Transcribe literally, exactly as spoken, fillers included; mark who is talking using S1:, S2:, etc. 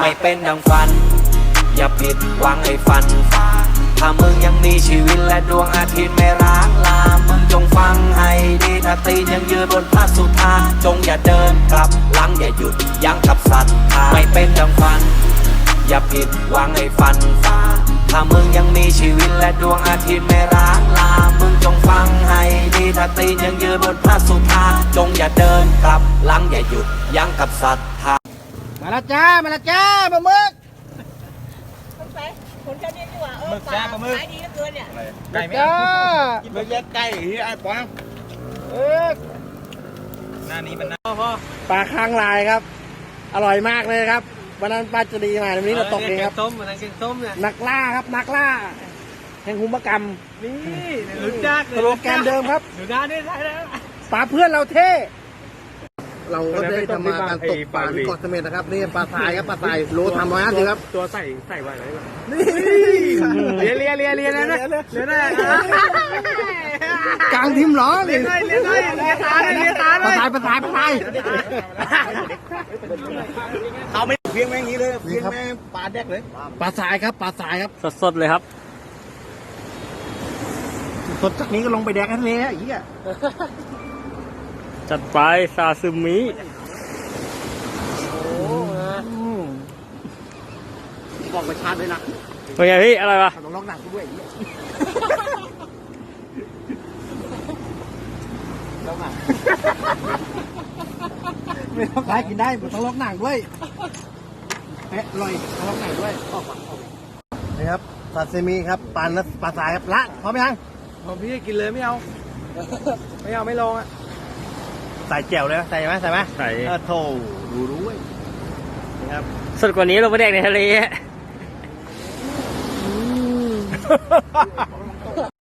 S1: ไม่เป็นดังฝันอย่าผิดหวังให้ฝันฝ่าถ้ามึงยังมีชีวิตและดวงอาทิตย์ไม่ร้างลามึงจงฟังให้ดีถ้าตีนยังยืนบนพระสุธาจงอย่าเดินกลับหลังอย่าหยุดยั้งกับศรัทธาไม่เป็นดังฝันอย่าผิดหวังให้ฝันฝ่าถ้ามึงยังมีชีวิตและดวงอาทิตย์ไม่ร้างลามึงจงฟังให้ดีถ้าตีนยังยืนบนพระสุธาจงอย่าเดินกลับหลังอย่าหยุดยั้งกับศรัทธา
S2: มาละจ้ามาละจ้าปลาหมึก
S3: คนแค่นี้ดีกว่าเออปลาขายดีเหลือเกินเนี่ย
S2: ไก่จ้า
S4: เมื่อกี้ไก่ไอ้ปอง
S2: เออ
S4: หน้านี้มันน่า
S2: พ่อปลาค้างลายครับอร่อยมากเลยครับวันนั้นปลาจะดีมาวันนี้เราตกเองครับ
S4: ต้มวันนั้นกินต้มเนี่ย
S2: นักล่าครับนักล่าแห่งหุมกรรม
S4: นี่รู้จัก
S2: สโลแกนเดิมครับ
S4: ดูหน้าได้ใช่แล้ว
S2: ปลาเพื่อนเราเท่เราก็ได้ทำมาการตกปลาที่เกาะเสม็ดนะครับนี่ปลาทรายครับปลาทรายโลทำร้อยห้าสิบครับ
S4: ตัวใส่ใส่ไว้ไหน
S2: นี่เลียเลียเลียเลียนะเลียนะกลางทิมหรอ
S4: เลียได้เลียได้เลียตาเลยเลียตาเลย
S2: ปลาทรายปลาทรายปลาทราย
S4: เขาไม่เพียงแม่งนี้เลยเพียงแม่ปลาแดกเลย
S2: ปลาทรายครับปลาทรายครับ
S4: สดๆเลยครับ
S2: สดจากนี้ก็ลงไปแดกกันเลยอย่างเงี้ย
S4: จัดไปซาซึมิ
S2: บอกไปชาร์จเลยนะ
S4: เป็นไงพี่อะไรวะ
S2: ต้องล็อกหนังกูด้วยล็อกหนังไม่ต้องขายกินได้ต้องล็อกหนังด้วยเอ๊ะอร่อยต้องล็อกหนังด้วยนี่ครับซาซิมิครับปลาปลาสายครับละพร้อมยัง
S4: พร้อมพี่กินเลยไม่เอาไม่เอาไม่ลองอ่ะ
S2: ใส่แจ่วเลยใส่ไหมใส่ไหม
S4: ใส่
S2: เออโถดูด้วยนะครับ
S4: สดกว่านี้เราไปแดกในทะเล